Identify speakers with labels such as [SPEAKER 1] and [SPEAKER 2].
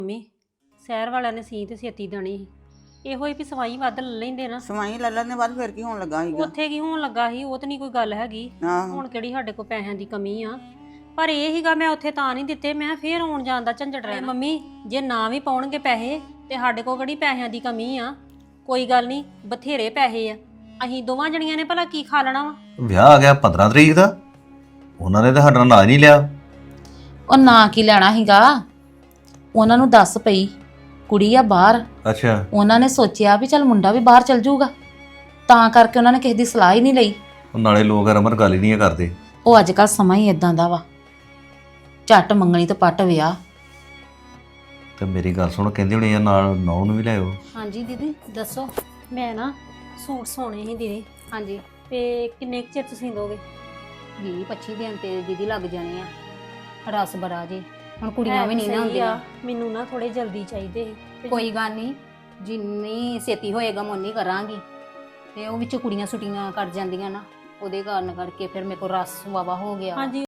[SPEAKER 1] Mummy ਸ਼ਹਿਰ ਵਾਲਿਆਂ ਨੇ ਸੀ ਤੇ ਛੇਤੀ ਦੇਣੀ ਸੀ। ਇਹੋ ਹੀ ਵੀ ਸਵਾਈ ਵੱਧ ਲੈ ਲੈਂਦੇ ਨਾ।
[SPEAKER 2] ਸਵਾਈ ਲੈ ਲੈਣ ਦੇ ਬਾਅਦ ਫਿਰ ਕੀ ਹੋਣ ਲੱਗਾ ਸੀਗਾ।
[SPEAKER 1] ਉੱਥੇ ਕੀ ਹੋਣ ਲੱਗਾ ਸੀ, ਉਹ ਤਾਂ ਨਹੀਂ ਕੋਈ ਗੱਲ ਹੈਗੀ।
[SPEAKER 2] ਆਹੋ
[SPEAKER 1] ਹੁਣ ਕਿਹੜੀ ਸਾਡੇ ਕੋਲ ਪੈਸਿਆਂ ਦੀ ਕਮੀ ਆ, ਪਰ ਇਹ ਹੀਗਾ ਮੈਂ ਉੱਥੇ ਤਾਂ ਨਹੀਂ ਦਿੱਤੇ, ਮੈਂ ਫੇਰ ਆਉਣ ਜਾਣ ਦਾ ਝੰਜਟ ਰਹਿਣਾ। ਮੰਮੀ ਜੇ ਨਾ ਵੀ ਪਾਉਣਗੇ ਪੈਸੇ ਤੇ ਸਾਡੇ ਕੋਲ ਕਿਹੜੀ ਪੈਸਿਆਂ ਦੀ ਕਮੀ ਆ, ਕੋਈ ਗੱਲ ਨਹੀਂ, ਬਥੇਰੇ ਪੈਸੇ ਆ। ਅਸੀਂ ਦੋਵਾਂ ਜਣੀਆਂ ਨੇ ਭਲਾ ਕੀ ਖਾ ਲੈਣਾ ਵਾ।
[SPEAKER 3] ਵਿਆਹ ਆ ਗਿਆ 15 ਤਰੀਕ ਦਾ, ਉਹਨਾਂ ਨੇ ਤਾਂ ਸਾਡਾ ਨਾਂ ਹੀ ਨਹੀਂ ਲਿਆ।
[SPEAKER 4] ਉਹ ਨਾ ਕੀ ਲੈਣਾ ਸੀਗਾ, ਉਹਨਾਂ ਨੂੰ ਦੱਸ ਪਈ ਕੁੜੀ ਆ ਬਾਹਰ।
[SPEAKER 3] ਅੱਛਾ,
[SPEAKER 4] ਉਹਨਾਂ ਨੇ ਸੋਚਿਆ ਵੀ ਚੱਲ ਮੁੰਡਾ ਵੀ ਬਾਹਰ ਚੱਲ ਜਾਊਗਾ, ਤਾਂ ਕਰਕੇ ਉਹਨਾਂ ਨੇ ਕਿਸੇ ਦੀ ਸਲਾਹ ਹੀ ਨਹੀਂ ਲਈ।
[SPEAKER 3] ਉਹ ਨਾਲੇ ਲੋਕ ਰਮਨ ਗੱਲ ਹੀ ਨਹੀਂ ਕਰਦੇ।
[SPEAKER 4] ਉਹ ਅੱਜ ਕੱਲ ਸਮਾਂ ਹੀ ਇਦਾਂ ਦਾ ਵਾ, ਝੱਟ ਮੰਗਣੀ ਤੇ ਪੱਟ ਵਿਆਹ।
[SPEAKER 3] ਤੇ ਮੇਰੀ ਗੱਲ ਸੁਣ, ਕਹਿੰਦੇ ਹੋਣੇ ਆ ਨਾਲ ਨੌ ਨੂੰ ਵੀ ਲਿਆਓ।
[SPEAKER 1] ਹਾਂਜੀ ਦੀਦੀ ਦੱਸੋ। ਮੈਂ ਨਾ ਸੂਟ ਸੋਣੇ ਸੀ ਦੀਦੀ।
[SPEAKER 5] ਹਾਂਜੀ
[SPEAKER 1] ਤੇ ਕਿੰਨੇ ਕੁ ਚਿਰ ਤੁਸੀਂ ਦੋਗੇ?
[SPEAKER 5] 20-25 ਦਿਨ ਤੇ ਦੀਦੀ ਲੱਗ ਜਾਣੇ ਆ, ਰਸ ਬੜਾ ਜੇ ਹੁਣ ਕੁੜੀਆਂ ਵੀ ਨਹੀਂ ਨਾ ਹੁੰਦੀਆਂ।
[SPEAKER 1] ਮੈਨੂੰ ਨਾ ਥੋੜੇ ਜਲਦੀ ਚਾਹੀਦੇ ਸੀ।
[SPEAKER 5] ਕੋਈ ਗੱਲ ਨਹੀਂ, ਜਿੰਨੀ ਛੇਤੀ ਹੋਏਗਾ ਮੈਂ ਉਨੀ ਕਰਾਂਗੀ। ਤੇ ਉਹ ਵਿੱਚ ਕੁੜੀਆਂ ਛੁੱਟੀਆਂ ਕਰ ਜਾਂਦੀਆਂ ਨਾ, ਉਹਦੇ ਕਾਰਨ ਕਰਕੇ ਫਿਰ ਮੇਰੇ ਕੋਲ ਰਸ ਵਾਵਾ ਹੋ ਗਿਆ।
[SPEAKER 1] ਹਾਂਜੀ